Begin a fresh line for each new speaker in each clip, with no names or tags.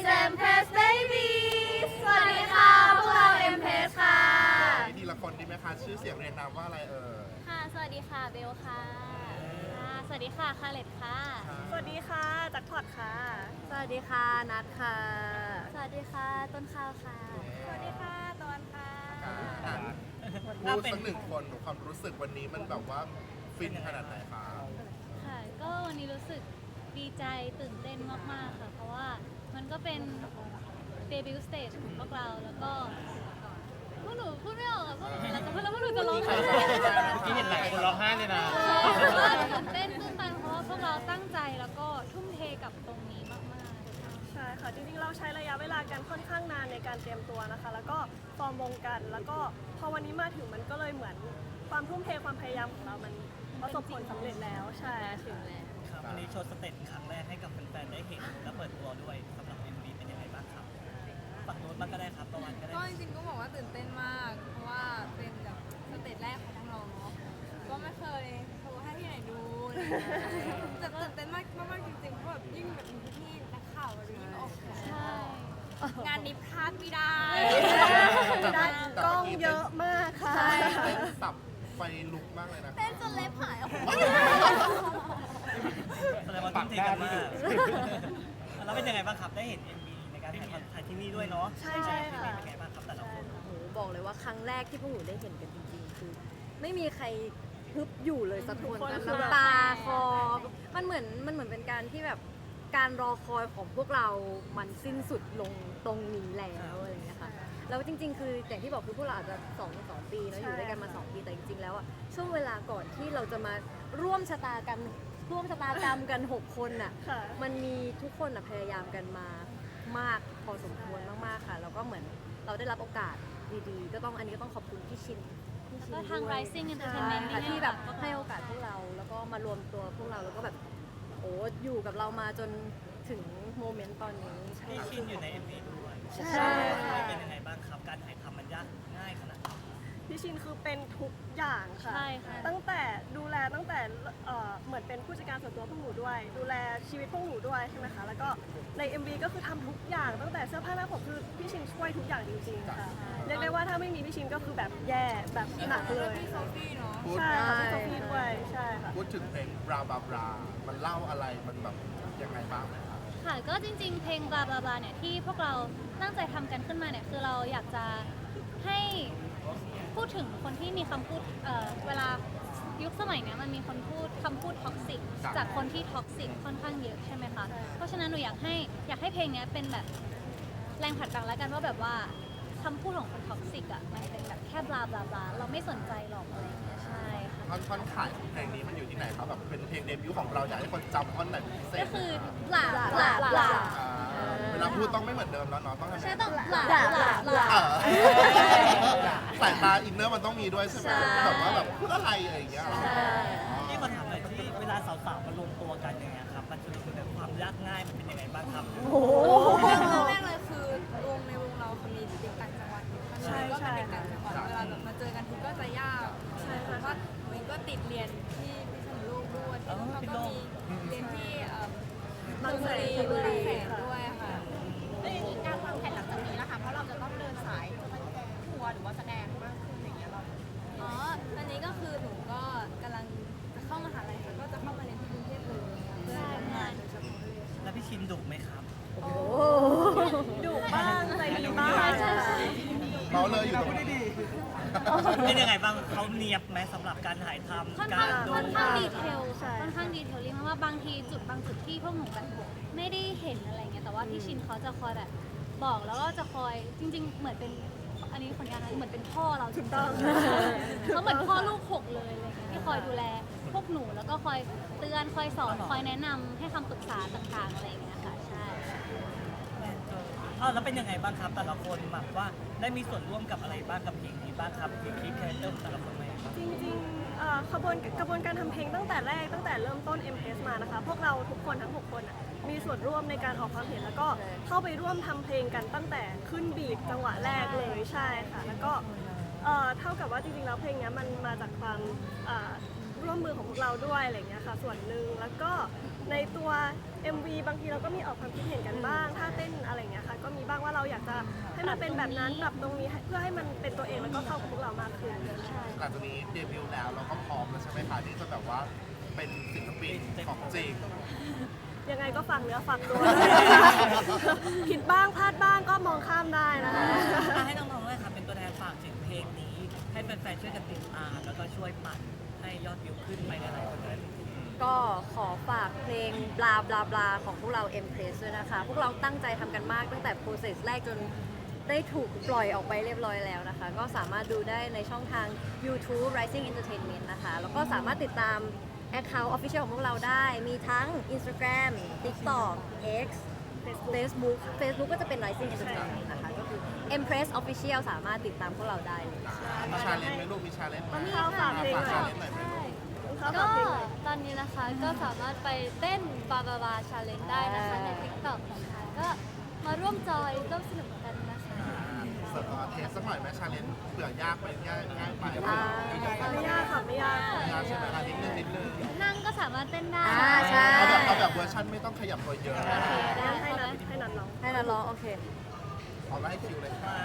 Empress Baby สวัสดีค่ะพวกเรา Empress ค่ะ
ทีละคนดีไหมคะชื่อเสียงเรียนนามว่าอะไร
ค่ะสวัสดีค่ะเบลค่ะสวัสดีค่ะคาเลตค่ะ
สวัสดีค่ะจักรพอดค่ะ
สวัสดีค่ะนัทค่ะสวัสดีค่ะต้นข้าวค่ะสวัสดีค่ะตะวันค่ะ
พูดสักหนึ่งคนความรู้สึกวันนี้มันแบบว่าฟินขนาดไหนคะ
ค่ะก็วันนี้รู้สึกดีใจตื่นเต้นมากๆค่ะเพราะว่ามันก็เป็นเดบิวต์สเตจของพวกเราแล้วก็พวกหนูพูดไม่ออกอะพวกหนูแล้วก็พวกหนูจะร้องไห้
ที่เห็นหลายคนร้องไห้เลยนะ
ตื่นเต้นตื้นตันเพราะว่าพวกเราตั้งใจแล้วก็ทุ่มเทกับตรงนี้มากๆ
ใช่ค่ะจริงๆเราใช้ระยะเวลากันค่อนข้างนานในการเตรียมตัวนะคะแล้วก็ฟอร์มวงกันแล้วก็พอวันนี้มาถึงมันก็เลยเหมือนความทุ่มเทความพยายามของเรามันประสบผลสำเร็จแล้วใช่
ถึงแล้ว
ครับวันนี้โชว์สเต็ปครั้งแรกให้กับแฟนๆได้เห็นและเปิดตัวด้วยสำหรับ MV เป็นยังไงบ้างครับฝั่งโน้นบ้างก็ได้ครับตะวันก็ได้
ก็จริงๆก็บอกว่าตื่นเต้นมากเพราะว่าเป็นแบบสเตจแรกของพวกเราเนาะก็ไม่เคยโชว์ให้ที่ไหนดูแต่ตื่นเต้นมากมากจริงๆเพราะแบบยิ่งแบบมีพี่ๆนักข่าวอะไรยิ่งออก
ใช่
งานนี้พลาดไม่ได้
ได้กล้องเยอะมากค่ะ
เต้นสับไฟลุกมากเลยนะ
เต้นจนเล็บหายออกมา
แสดงว่าทุ่มเทกันมากแล้วเป็นยังไงบ้างครับได้เห็น MV ในการถ่ายที่นี่ด้วยเนาะ
ใช่ค่ะ
เป็นยังไงบ้างครับแต่ละคน
โหบอกเลยว่าครั้งแรกที่พวกหนูได้เห็นกันจริงๆคือไม่มีใครฮึบอยู่เลยสักคนน้ำตาคอมันเหมือนเป็นการที่แบบการรอคอยของพวกเรามันสิ้นสุดลงตรงนี้แล้วอะไรอย่างเงี้ยค่ะแล้วจริงๆคืออย่างที่บอกคือพวกเราอาจจะ2 ปีเนาะอยู่ด้วยกันมา2 ปีแต่จริงๆแล้วอะช่วงเวลาก่อนที่เราจะมาร่วมชะตากรรมกัน6 คนน่ะมันมีทุกคนพยายามกันมามากพอสมควรมากๆค่ะแล้วก็เหมือนเราได้รับโอกาสดีๆก็ต้องอันนี้ก็ต้องขอบคุณพี่ชิน
แล้วก็ทาง Rising Entertainment
ที่แบบให้โอกาสพวกเราแล้วก็มารวมตัวพวกเราแล้วก็แบบโอ้อยู่กับเรามาจนถึงโมเมนต์ตอนนี้
พี่ชินอยู่ใน MV ด้วยเป็นยังไงบ้างครับการถ่ายทำมันยากง่ายขนาดไหน
พี่ชินคือเป็นทุกอย่างค่ะ
ใช่ค่ะ
ตั้งแต่ดูแลตั้งแต่เหมือนเป็นผู้จัดการส่วนตัวพวกหนูด้วยดูแลชีวิตพวกหนูด้วยใช่ไหมคะแล้วก็ใน MV ก็คือทำทุกอย่างตั้งแต่เสื้อผ้าหน้าผมคือพี่ชินช่วยทุกอย่างจริงๆค่ะเรียกได้ว่าถ้าไม่มีพี่ชินก็คือแบบแย่แบบหนักเลย
พี่โซฟี่เนาะ
ใช่ค่ะพี่โซฟี่ด้วยใช่ค่ะ
พูดถึงเพลงบราบาบรามันเล่าอะไรมันแบบยังไงบ้างไหมคะ
ค่ะก็จริงๆเพลงบลาบลาบลาเนี่ยที่พวกเราตั้งใจทำกันขึ้นมาเนี่ยคือเราอยากจะให้พูดถึงคนที่มีคำพูดเวลายุคสมัยเนี้ยมันมีคนพูดคำพูดท็อกซิกจากคนที่ท็อกซิกค่อนข้างเยอะใช่ไหมคะเพราะฉะนั้นหนูอยากให้เพลงนี้เป็นแบบแรงผลักดันแล้วกันว่าแบบว่าคำพูดของคนท็อกซิกอ่ะมันเป็นแบบแค่บลาบลาบลาเราไม่สนใจหรอกอะไรอย่างเงี้ยใช่ค่ะ
ท่อนขายของเพลงนี้มันอยู่ที่ไหนครับแบบเป็นเพลงเดบิวต์ของเราอยากให้คนจำท่อนไหนพิเศษ
ก็คือหลา
เวลาพูดต้องไม่เหมือนเดิมแล้วเนาะต้อง
ใช่ต้องหลา
สายตาอินเนอร์มันต้องมีด้วยใช่ไหมแบบว่าแบบพูดอะไรอะไรอย่างเงี้ย
ที่มาถามหน่อยที่เวลาสาวๆมารวมตัวกันอย่างเงี้ยครับมันจะมีแบบความยากง่ายมันเป็นยังไงบ้างครับ
โอ้เรื่องแรกเลยคือในวงเราเขามีเด็กต่างจังหวัดใช่ก็เป็นเด็กต่างจังหวัดเวลาแบบมาเจอกันทีก็จะยากใช่เพราะว่าหนูก็ติดเรียนที่พิษณุโลกด้วยแล้วก็มีเรียนที่บางแสนด้วยค่ะ
การวางแผนหลังจากนี้นะคะเพราะเราจะต้องเดินสายทัวร์หรือว่าแสดงมากขึ้นอย่างเงี้ยเรา
ตอนนี้ก็คือหนูก็กำลังจะเข้ามหาลัยค่ะก็จะเข้ามาเรียนที่กรุงเทพเลยเพื่อทำงานโดยเฉพาะเลย
แล้วพี่ชินดุไหมครับ
ดุบ้างใจดีบ้าง
เมาเลยอยู่ตรงนี้
เป็นยังไงบ้างเขาเนียบไหมสำหรับการถ่ายทำการดู
ค่อนข้างดีเทลค่อนข้างดีเทลลิ่งเพราะว่าบางทีบางจุดที่พวกหนูแบบไม่ได้เห็นอะไรเงี้ยแต่ว่าพี่ชินเขาจะคอยแบบบอกแล้วก็จะคอยจริงๆเหมือนเป็นอันนี้คนงานเหมือนเป็นพ่อเราถูกต้องเขาเหมือนพ่อลูก6เลยอะไรเงี้ยที่คอยดูแลพวกหนูแล้วก็คอยเตือนคอยสอนคอยแนะนำให้คำปรึกษาต่างๆอะไรอย่างเงี้ยค่ะใช่
แล้วเป็นยังไงบ้างครับแต่ละคนแบบว่าได้มีส่วนร่วมกับอะไรบ้างกับเพลงนี้บ้างครับเพลงคลิปคาแรคเตอร์ของแต่ละคนไหมครับ
จริงๆกระบวนการทำเพลงตั้งแต่เริ่มต้น MPS มานะคะพวกเราทุกคนทั้ง6 คนมีส่วนร่วมในการออกความเห็นแล้วก็เข้าไปร่วมทำเพลงกันตั้งแต่ขึ้นบีทจังหวะแรกเลยใช่ค่ะแล้วก็เท่ากับว่าจริงๆแล้วเพลงนี้มันมาจากความร่วมมือของพวกเราด้วยอะไรอย่างเงี้ยค่ะส่วนหนึ่งแล้วก็ในตัว MV บางทีเราก็มีออกความคิดเห็นกันบ้างท่าเต้นอะไรอย่างเงี้ยให้มันเป็นแบบนั้นปรับตรงนี้เพื่อให้มันเป็นตัวเองแล้วก็เข้ากับพวกเรามากขึ้น
หลังจากนี้เดบิวต์แล้วเราก็พร้อมแล้วใช่ไหมคะที่จะแบบว่าเป็นศิลปินของจริง
ยังไงก็ฟังเนื้อฟังตัว ผิดบ้างพลาดบ้างก็มองข้ามได้นะคะ
ให้น้องๆเลยค่ะเป็นตัวแทนฝากถึงเพลงนี้ ให้แฟนๆช่วยกันติดตามแล้วก็ช่วยปั่นให้ยอดวิวขึ้นไปหลายๆคนเลย
ก็ขอฝากเพลงบลาบลาบลาของพวกเรา Empress ด้วยนะคะ พวกเราตั้งใจทำกันมากตั้งแต่ process แรกจนได้ถูกปล่อยออกไปเรียบร้อยแล้วนะคะ ก็สามารถดูได้ในช่องทาง YouTube Rising Entertainment นะคะ แล้วก็สามารถติดตาม Account Official ของพวกเราได้ มีทั้ง Instagram TikTok X Facebook ก็จะเป็น Rising Entertainment นะคะ ก็คือ Empress Official สามารถติดตามพวกเราได้เลย
มีชาเลนจ์ไหมลูกมีชาเลนจ์ไหม
เข้าฝากเพลง
ฝาก
หน่
ชา
อย
เลนจ์หน่อยไหมลูก
เข้า
ก็
ฝากเพลงหน่อย
ตอนนี้นะคะก็สามารถไปเต้นบาบาบาชาเลนจ์ได้นะคะใน TikTok นะคะก็มาร่วมจอยร่วมสนุกกันนะคะ
เสิร์ฟเทสสักหน่อยไหมชาเลนจ์เผื่อยากไปง่ายไป
ไม่ยากค่ะไม่ยาก
ไม่ยากใช่ไหมคะนิดนึง
นั่งก็สามารถเต้นได้
ใช่
เอาแบบเวอร์ชันไม่ต้องขยับตัวเยอะ
โอเคได้
ให้
ค่ะ
นัดร้อง
ให้เราร้องโอเค
เอาไล่คิวเลยค่ะ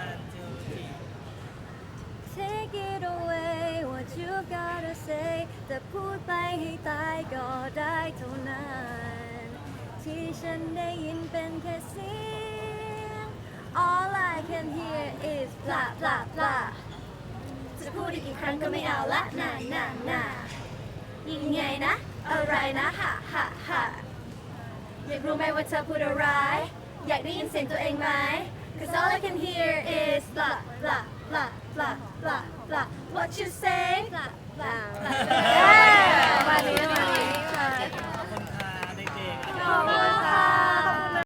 Take it away what you gotta say แต่พูดไปให้ตายก็ได้เท่านั้น ที่ฉันได้ยินเป็นแค่เสียง All I can hear is blah blah blah จะพูดอีกกี่ครั้งก็ไม่เอาละน่ายังไงนะ อะไรนะฮะอยากรู้ไหมว่าเธอพูดอะไร อยากได้ยินเสียงตัวเองไหม Cause all I can hear is blah blah blah blah blah blah what you say blah blah blah ประมาณนี้ค่ะ
ขอบคุณค่ะเด็กๆ
ขอบคุณค่ะ